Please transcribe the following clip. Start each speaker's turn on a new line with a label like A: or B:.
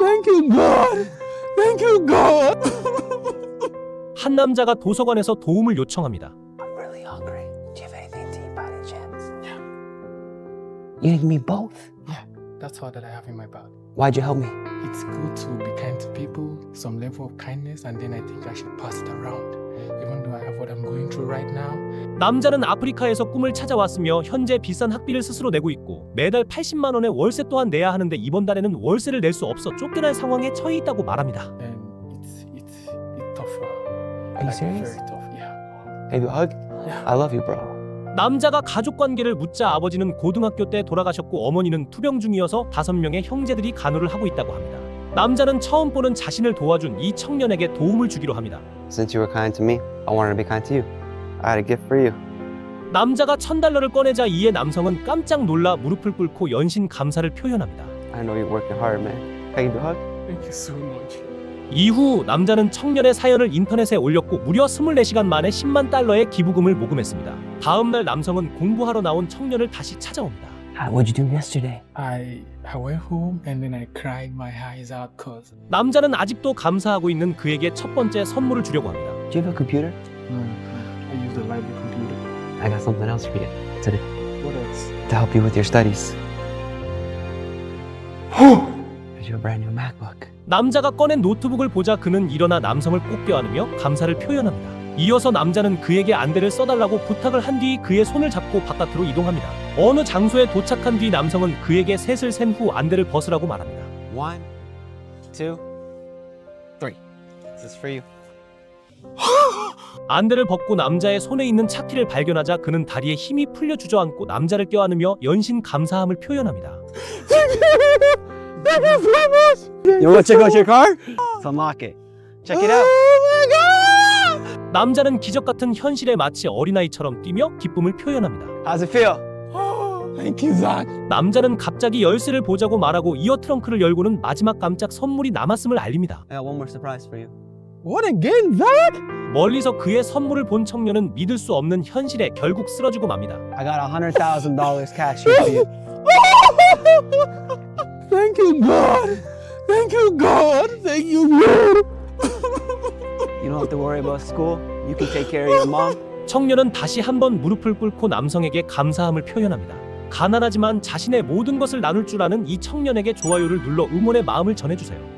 A: Thank you, God. Thank you, God.
B: 한 남자가 도서관에서 도움을 요청합니다.
A: I'm really hungry. Do you have anything to eat by any chance? Yeah. You give me both?
C: Yeah, that's all that I have in my bag.
A: Why'd you help me?
C: It's good to be kind to people, some level of kindness, and then I think I should pass it around. Even though I have what I'm going through right now.
B: 남자는 아프리카에서 꿈을 찾아왔으며 현재 비싼 학비를 스스로 내고 있고 매달 80만 원의 월세 또한 내야 하는데 이번 달에는 월세를 낼 수 없어 쫓겨날 상황에 처해 있다고 말합니다.
C: And it's tough.
A: Are you serious?
C: Very tough, yeah.
A: Maybe a hug?
C: Yeah.
A: I love you, bro.
B: 남자가 가족 관계를 묻자 아버지는 고등학교 때 돌아가셨고 어머니는 투병 중이어서 5명의 형제들이 간호를 하고 있다고 합니다. 남자는 처음 보는 자신을 도와준 이 청년에게 도움을 주기로 합니다.
A: Since you were kind to me, I wanted to be kind to you. I had a gift for you.
B: 남자가 $1000을 꺼내자 이에 남성은 깜짝 놀라 무릎을 꿇고 연신 감사를 표현합니다.
A: I know you're working hard, man. Can I give you a hug?
C: Thank you so much.
B: 이후 남자는 청년의 사연을 인터넷에 올렸고 무려 24시간 만에 $10만 달러의 기부금을 모금했습니다. 다음 날 남성은 공부하러 나온 청년을 다시 찾아옵니다.
A: What'd you do yesterday?
C: I went home and then I cried my eyes out cause
B: 남자는 아직도 감사하고 있는 그에게 첫 번째 선물을 주려고 합니다.
A: Do you have a computer?
C: I use the library computer.
A: I got something else for you today
C: What else?
A: to help you with your studies. Here's your brand new MacBook.
B: 남자가 꺼낸 노트북을 보자 그는 일어나 남성을 꼭 껴안으며 감사를 표현합니다. 이어서 남자는 그에게 안대를 써달라고 부탁을 한 뒤 그의 손을 잡고 바깥으로 이동합니다. 어느 장소에 도착한 뒤 남성은 그에게 셋을 센 후 안대를 벗으라고 말합니다.
A: 1, 2, 3. This is for you.
B: 안대를 벗고 남자의 손에 있는 차키를 발견하자 그는 다리에 힘이 풀려 주저앉고 남자를 껴안으며 연신 감사함을 표현합니다.
A: You want to check out your car? Let's unlock it. Check it out.
B: 남자는 기적 같은 현실에 마치 어린아이처럼 뛰며 기쁨을 표현합니다.
A: How's it feel?
C: Thank you, Zach.
B: 남자는 갑자기 열쇠를 보자고 말하고 이어 트렁크를 열고는 마지막 깜짝 선물이 남았음을 알립니다.
A: I got one more surprise for you.
C: What again, Zach?
B: 멀리서 그의 선물을 본 청년은 믿을 수 없는 현실에 결국 쓰러지고 맙니다.
A: I got $100,000 cash here for you.
C: Thank you, God. Thank you, God. Thank you, God.
A: You don't have to worry about school. You can take care of your mom.
B: 청년은 다시 한번 무릎을 꿇고 남성에게 감사함을 표현합니다. 가난하지만 자신의 모든 것을 나눌 줄 아는 이 청년에게 좋아요를 눌러 응원의 마음을 전해주세요.